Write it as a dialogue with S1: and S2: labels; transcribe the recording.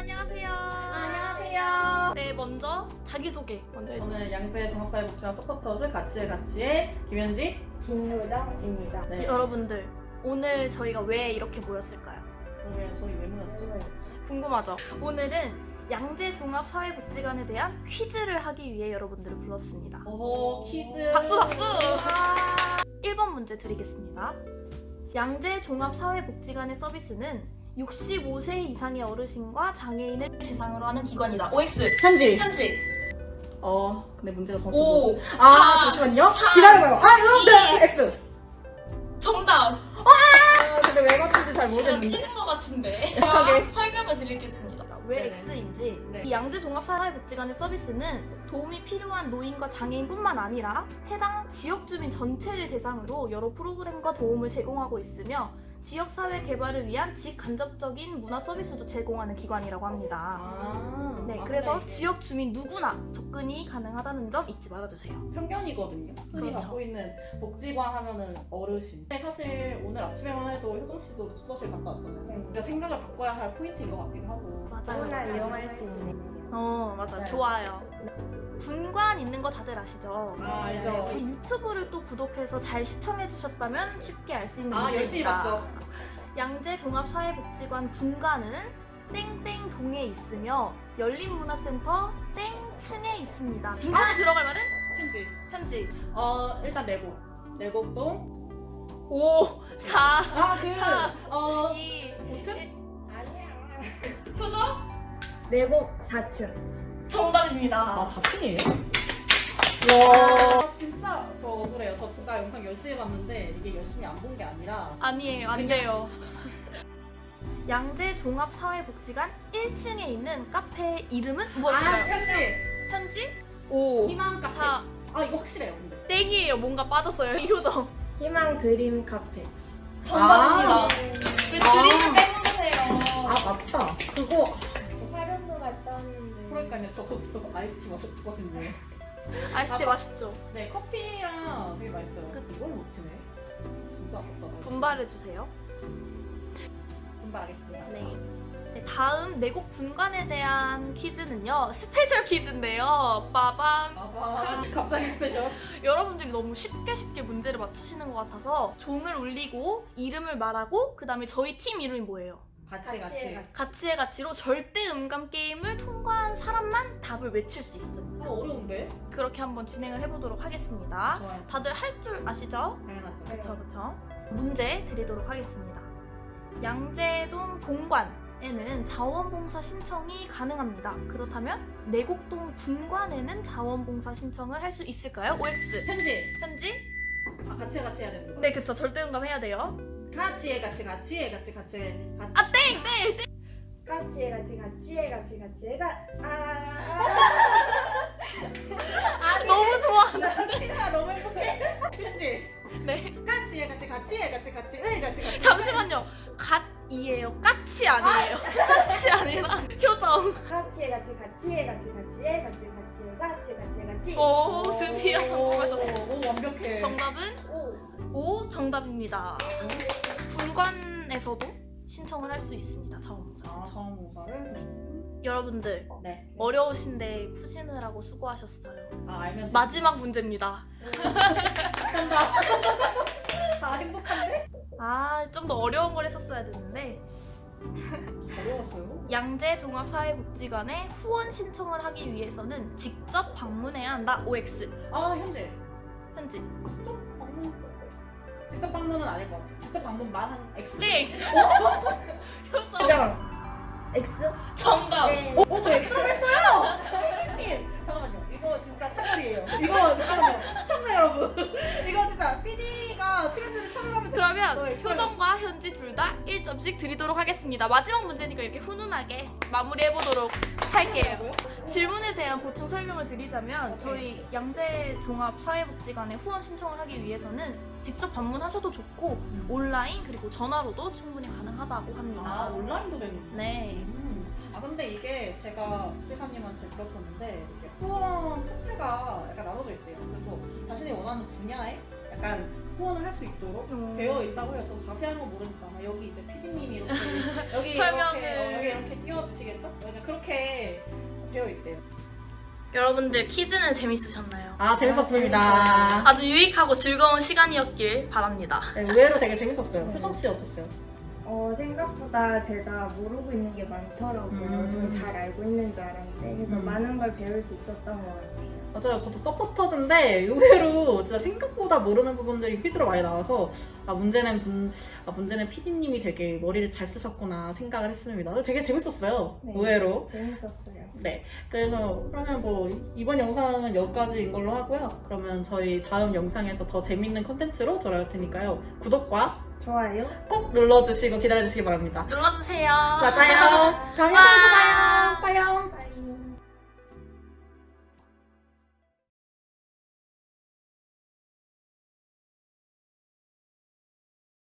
S1: 안녕하세요.
S2: 안녕하세요.
S1: 네, 먼저 자기소개 먼저 해주세요.
S2: 저는 양재 종합사회복지관 서포터즈 가치의 김현지.
S3: 김효정입니다.
S2: 네.
S1: 여러분들, 오늘 저희가 왜 이렇게 모였을까요?
S2: 그러게 저희 왜 모였죠?
S1: 궁금하죠? 오늘은 양재 종합사회복지관에 대한 퀴즈를 하기 위해 여러분들을 불렀습니다.
S2: 오 퀴즈.
S1: 박수 박수! 1번 문제 드리겠습니다. 양재 종합사회복지관의 서비스는 65세 이상의 어르신과 장애인을 대상으로 하는 기관이다. OX.
S2: 현지.
S1: 현지.
S2: 네 문제가 정확히.
S1: 5.
S2: 잠시만요.
S1: 사,
S2: 기다려봐요.
S1: 이.
S2: X.
S1: 정답.
S2: 근데 왜 맞춘지 잘 모르겠는데.
S1: 찍은 것 같은데.
S2: 정확하게.
S1: 제가 설명을 드리겠습니다. 왜
S2: 네네.
S1: X인지.
S2: 네.
S1: 이 양재 종합사회복지관의 서비스는 도움이 필요한 노인과 장애인뿐만 아니라 해당 지역 주민 전체를 대상으로 여러 프로그램과 도움을 제공하고 있으며 지역사회 개발을 위한 직간접적인 문화 서비스도 제공하는 기관이라고 합니다. 네, 그래서 지역 주민 누구나 접근이 가능하다는 점 잊지 말아주세요.
S2: 편견이거든요. 흔히
S1: 그렇죠.
S2: 갖고 있는 복지관 하면은 어르신. 근데 사실 오늘 아침에만 해도 효정 씨도 숙소실 갔다 왔잖아요.
S3: 네.
S2: 우리가 생각을 바꿔야 할 포인트인 것 같기도 하고.
S1: 맞아요.
S3: 누구나 이용할 수 있는.
S1: 맞아요.
S2: 맞아요.
S1: 좋아요. 분관 있는 거 다들 아시죠?
S2: 알죠.
S1: 그 유튜브를 또 구독해서 잘 시청해 주셨다면 쉽게 알 수 있는
S2: 열심히
S1: 문제입니다.
S2: 봤죠.
S1: 양재 종합사회복지관 분관은 땡땡동에 있으며 열린문화센터 땡층에 있습니다. 빈칸에 들어갈 말은
S2: 현지.
S1: 현지.
S2: 일단 내곡동.
S1: 5, 4, 사, 2,
S2: 5층?
S3: 아니야.
S1: 표정?
S3: 내곡 4층.
S1: 정답입니다.
S2: 4층이에요? 와 진짜 저 억울해요. 저 진짜 영상 열심히 봤는데 이게 열심히 안 본 게 아니라
S1: 아니에요, 안
S2: 그냥-
S1: 돼요. 양재 종합사회복지관 1층에 있는 카페의 이름은 무엇일까요?
S2: 현지!
S1: 현지? 5,
S2: 희망 카페.
S1: 4,
S2: 이거 확실해요 근데.
S1: 땡이에요. 뭔가 빠졌어요. 이 효정.
S3: 희망 드림 카페.
S1: 정답입니다.
S2: 아.
S1: 왜 드림을 빼놓으세요?
S2: 맞다. 그거
S3: 촬영도 갔다 왔는데.
S2: 그러니까요. 저 거기서 아이스티 마셨거든요.
S1: 아이스티 맛있죠?
S2: 네 커피랑 되게 맛있어요.
S1: 그-
S2: 이걸 못 치네. 진짜 아깝다.
S1: 분발해주세요.
S2: 분발하겠습니다.
S1: 네, 다음 내곡 분관에 대한 퀴즈는요. 스페셜 퀴즈인데요. 빠밤.
S2: 갑자기 스페셜.
S1: 여러분들이 너무 쉽게 문제를 맞추시는 것 같아서 종을 울리고 이름을 말하고 그 다음에 저희 팀 이름이 뭐예요?
S2: 같이.
S1: 가치의 가치로 절대 음감 게임을 통과한 사람만 답을 외칠 수 있습니다.
S2: 어려운데?
S1: 그렇게 한번 진행을 해보도록 하겠습니다.
S2: 좋아요.
S1: 다들 할 줄 아시죠?
S2: 당연하죠.
S1: 그쵸. 문제 드리도록 하겠습니다. 양재동 본관에는 자원봉사 신청이 가능합니다. 그렇다면 내곡동 분관에는 자원봉사 신청을 할 수 있을까요? OX.
S2: 현지.
S1: 현지?
S2: 같이 해야 되는 거.
S1: 네, 그쵸. 절대 음감 해야 돼요.
S2: 같이.
S3: 같이해
S1: 너무 좋아.
S2: 나 너무 행복해. 현지.
S1: 네.
S2: 같이.
S1: 잠시만요. 갓이에요. 까치 아니에요. 까치 아니라 효정.
S3: 같이.
S1: 오, 드디어 성공하셨어요.
S2: 오 완벽해.
S1: 정답은
S3: 오.
S1: 5 정답입니다. 분관에서도 신청을 할 수 있습니다. 자원봉사 신청.
S2: 자원봉사를?
S1: 여러분들
S2: 네.
S1: 어려우신데 푸시느라고 수고하셨어요.
S2: 알면
S1: 마지막 문제입니다.
S2: 정답. 행복한데?
S1: 좀 더 어려운 걸 했었어야 됐는데
S2: 어려웠어요.
S1: 양재 종합사회복지관에 후원 신청을 하기 위해서는 직접 방문해야 한다. OX.
S2: 현지.
S1: 현지.
S2: 직접 방문은 아닐 것 같아. 직접 방문만 한 X.
S1: 네. 효정.
S3: X.
S1: 정답.
S3: 네.
S2: 저 X를 했어요. PD님. 잠깐만요. 이거 진짜 차별이에요. 이거 잠깐만요. 시청자 여러분. 이거 진짜 PD가 출연진을 차별하면
S1: 그러면
S2: 너 X를-
S1: 효정과 현지 둘 다 1점씩 드리도록 하겠습니다. 마지막 문제니까 이렇게 훈훈하게 마무리해보도록 할게요. 질문에 대한 보충 설명을 드리자면 저희 양재 종합사회복지관에 후원 신청을 하기 위해서는 직접 방문하셔도 좋고 온라인 그리고 전화로도 충분히 가능하다고 합니다.
S2: 온라인도 되는.
S1: 네.
S2: 근데 이게 제가 복지사님한테 들었었는데 이렇게 후원 포트가 약간 나눠져 있대요. 그래서 자신이 원하는 분야에 약간 후원을 할 수 있도록 되어 있다고 해요. 저 자세한 건 모르니까 아마 여기 이제 PD님이 이렇게 여기
S1: 설명을.
S2: 여기 이렇게 띄워주시겠죠? 네, 그렇게 되어 있대요.
S1: 여러분들 퀴즈는 재밌으셨나요?
S2: 아 재밌었습니다.
S1: 아주 유익하고 즐거운 시간이었길 바랍니다.
S2: 네, 의외로 되게 재밌었어요. 효정 씨 어땠어요?
S3: 생각보다 제가 모르고 있는 게 많더라고요. 좀 잘 알고 있는 줄 알았는데 그래서 많은 걸 배울 수 있었던 것 같아요.
S2: 맞아요. 저도 서포터즈인데 의외로 진짜 생각보다 모르는 부분들이 퀴즈로 많이 나와서 문제는 PD님이 되게 머리를 잘 쓰셨구나 생각을 했습니다. 되게 재밌었어요.
S3: 네.
S2: 의외로.
S3: 재밌었어요.
S2: 네. 그래서 그러면 뭐 이번 영상은 여기까지인 걸로 하고요. 그러면 저희 다음 영상에서 더 재밌는 컨텐츠로 돌아올 테니까요. 구독과
S3: 좋아요.
S2: 꼭 눌러주시고 기다려주시기 바랍니다.
S1: 눌러주세요.
S2: 맞아요. 다음 영상에서 봐요. 빠염.